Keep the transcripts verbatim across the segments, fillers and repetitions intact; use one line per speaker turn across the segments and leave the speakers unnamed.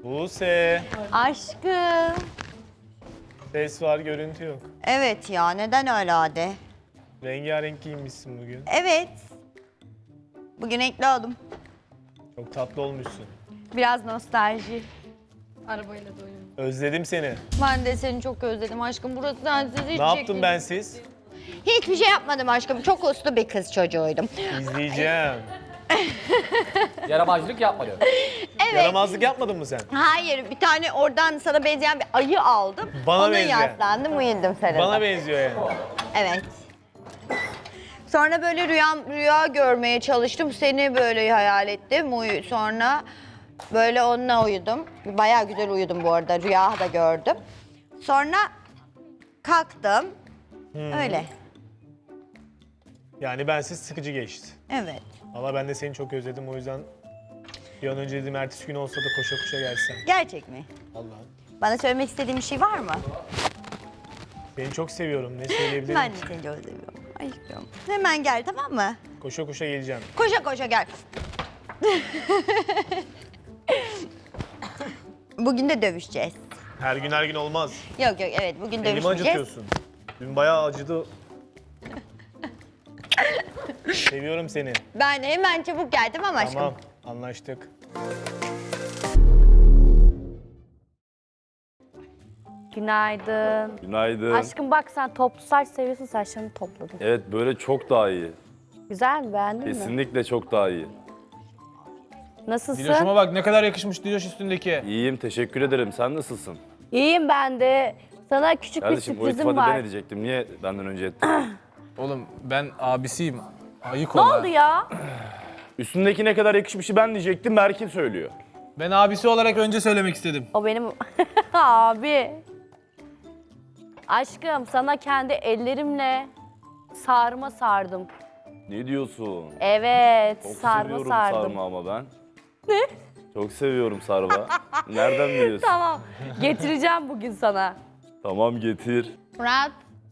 Buse.
Aşkım.
Ses var, görüntü yok.
Evet ya, neden öyle hadi?
Rengarenk giyinmişsin bugün.
Evet. Bugün renkli oldum.
Çok tatlı olmuşsun.
Biraz nostalji.
Arabayla da oyun.
Özledim seni.
Ben de seni çok özledim aşkım. Burası sensiz hiç
Ne yaptım
çekilmedi.
ben siz?
Hiçbir şey yapmadım aşkım. Çok uslu bir kız çocuğuydum.
İzleyeceğim.
Yaramazlık yapma diyor.
Evet.
Yaramazlık yapmadın mı sen?
Hayır, bir tane oradan sana benzeyen bir ayı aldım.
Bana
Ona
benzeyen.
yaslandım, uyudum sarıldım.
Bana benziyor yani.
Evet. Sonra böyle rüya, rüya görmeye çalıştım. Seni böyle hayal ettim. Uyu, sonra böyle onunla uyudum. Bayağı güzel uyudum bu arada. Rüya da gördüm. Sonra kalktım. Öyle.
Yani bensiz sıkıcı geçti.
Evet.
Valla ben de seni çok özledim, o yüzden bir an önce dedim ertesi gün olsa da koşa koşa gelsen.
Gerçek mi?
Allah'ım.
Bana söylemek istediğin bir şey var mı?
Seni çok seviyorum, ne söyleyebilirim
Ben de
ki?
seni çok seviyorum. Aşkım. Hemen gel, tamam mı?
Koşa koşa geleceğim.
Koşa koşa gel. Bugün de dövüşeceğiz.
Her gün her gün olmaz.
Yok yok, evet, bugün
Elimi
dövüşmeyeceğiz.
acıtıyorsun. Dün bayağı acıdı. Seviyorum seni.
Ben hemen çabuk gel, tamam mı aşkım?
Tamam, anlaştık.
Günaydın.
Günaydın.
Aşkım bak sen toplu saç seviyorsun, saçlarını topladım.
Evet böyle çok daha iyi.
Güzel mi, beğendin mi?
Kesinlikle çok daha iyi.
Nasılsın?
Diloş'uma bak ne kadar yakışmış Diloş üstündeki.
İyiyim, teşekkür ederim. Sen nasılsın?
İyiyim ben de. Sana küçük
Kardeşim
bir
bu
sürprizim
iltifatı ben
var.
edecektim. Niye benden önce ettin?
Oğlum ben abisiyim. Ayık
Ne
ol ha.
oldu ya?
Üstündeki ne kadar yakışmışı ben diyecektim. Berkin söylüyor.
Ben abisi olarak önce söylemek istedim.
O benim abi. Aşkım sana kendi ellerimle sarma sardım.
Ne diyorsun?
Evet,
Çok
sarma
seviyorum
sardım.
sarma ama ben. Ne? Çok seviyorum sarma. Nereden biliyorsun?
Tamam. Getireceğim bugün sana.
Tamam getir.
Murat.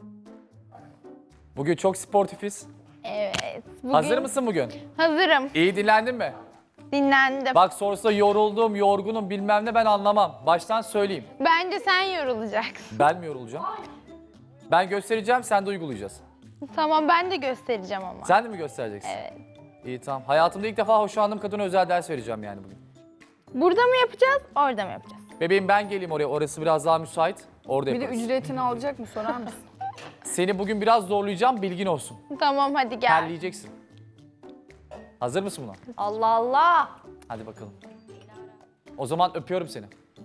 Bugün çok sportifiz.
Evet. Bugün
Hazır mısın bugün?
hazırım.
İyi dinlendin mi?
Dinlendim.
Bak sorsa yoruldum, yorgunum bilmem ne ben anlamam. Baştan söyleyeyim.
Bence sen yorulacaksın.
Ben mi yorulacağım? Ben göstereceğim, sen de uygulayacaksın.
Tamam, ben de göstereceğim ama.
Sen de mi göstereceksin?
Evet.
İyi tamam. Hayatımda ilk defa hoşlandığım kadına özel ders vereceğim yani bugün.
Burada mı yapacağız, orada mı yapacağız?
Bebeğim ben geleyim oraya. Orası biraz daha müsait. Orada
Bir de
yaparız.
ücretini alacak mı sorar mısın?
Seni bugün biraz zorlayacağım, bilgin olsun.
Tamam, hadi gel.
Terleyeceksin. Hazır mısın buna?
Allah Allah.
Hadi bakalım. O zaman öpüyorum seni.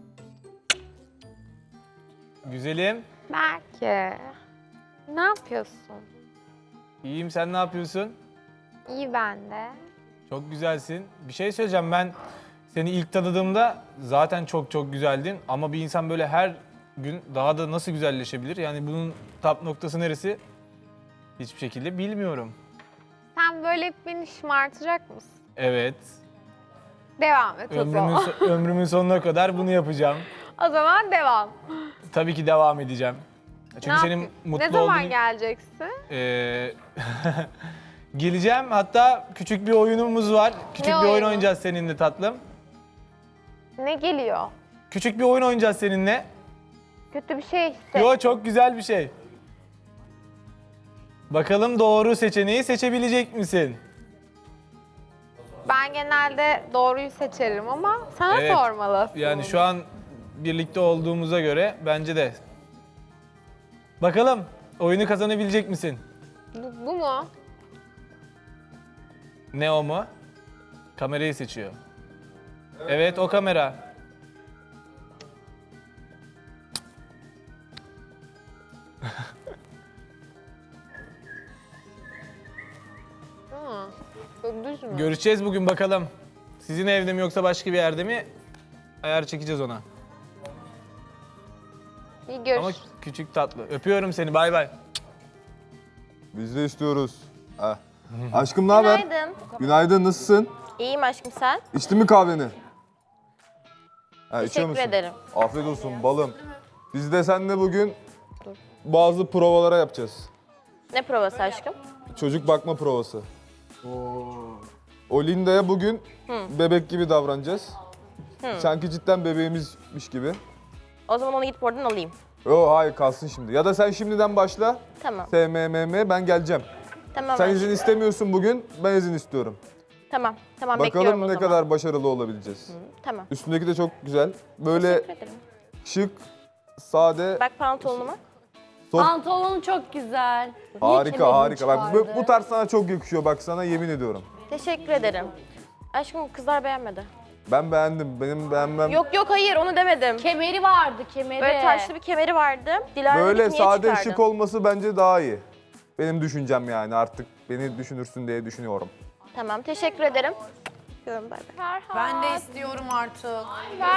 Güzelim.
Belki. Ne yapıyorsun?
İyiyim, sen ne yapıyorsun?
İyi ben de.
Çok güzelsin. Bir şey söyleyeceğim, ben seni ilk tanıdığımda zaten çok çok güzeldin. Ama bir insan böyle her gün daha da nasıl güzelleşebilir? Yani bunun tap noktası neresi? Hiçbir şekilde bilmiyorum.
Sen böyle hep beni şımartacak mısın?
Evet.
Devam et o
Ömrümün,
zaman.
so- ömrümün sonuna kadar bunu yapacağım.
O zaman devam.
Tabii ki devam edeceğim. Çünkü
Ne
senin
yap-
mutlu
Ne zaman
olduğunu...
geleceksin?
Ee, geleceğim. Hatta küçük bir oyunumuz var. Küçük
Ne
bir oyun
oyunu?
oynayacağız seninle tatlım.
Ne geliyor?
Küçük bir oyun oynayacağız seninle.
Kötü bir şey hisset.
Yo, çok güzel bir şey. Bakalım doğru seçeneği seçebilecek misin?
Ben genelde doğruyu seçerim ama sana
Evet.
sormalı.
Yani şu an birlikte olduğumuza göre bence de. Bakalım oyunu kazanabilecek misin?
Bu, bu mu?
Ne o mu? Kamerayı seçiyor. Evet, o kamera.
Hı. Çok düz mü?
Görüşeceğiz bugün bakalım. Sizin evde mi yoksa başka bir yerde mi? Ayar çekeceğiz ona.
İyi görüş.
Ama küçük tatlı. Öpüyorum seni. Bay bay.
Biz de istiyoruz. Heh. Aşkım ne haber?
Günaydın.
Günaydın, nasılsın?
İyiyim aşkım, sen?
İçtin mi kahveni? Ha, içiyor
Teşekkür
musun?
ederim.
Afiyet olsun balım. Biz de seninle bugün bazı provalara yapacağız.
Ne provası aşkım?
Çocuk bakma provası. O Linda'ya bugün bebek gibi davranacağız. Sanki cidden bebeğimizmiş gibi.
O zaman onu gidip oradan alayım.
Yo hayır kalsın şimdi. Ya da sen şimdiden başla.
Tamam.
S M M M ben geleceğim.
Tamam.
Sen
aşkım.
izin istemiyorsun bugün, ben izin istiyorum.
Tamam. Tamam bekliyorum
Bakalım
o
ne
zaman.
kadar başarılı olabileceğiz.
Tamam.
Üstündeki de çok güzel. Böyle
Teşekkür ederim.
şık, sade,
Bak pantolonuma.
Top-
Pantolon çok güzel. Niye
harika
kemerini
harika. Bak bu,
çıkardı?
bu tarz sana çok yakışıyor bak sana yemin ediyorum.
Teşekkür ederim. Aşkım kızlar beğenmedi.
Ben beğendim. Benim beğenmem.
Yok yok hayır onu demedim.
Kemeri vardı, kemeri.
Böyle taşlı bir kemeri vardı. Dilara
Böyle
dedi ki, niye
sade
çıkardın?
şık olması bence daha iyi. Benim düşüncem yani artık beni düşünürsün diye düşünüyorum.
Tamam teşekkür ederim. Görüyorum bay bay.
Ferhat.
Ben de istiyorum artık.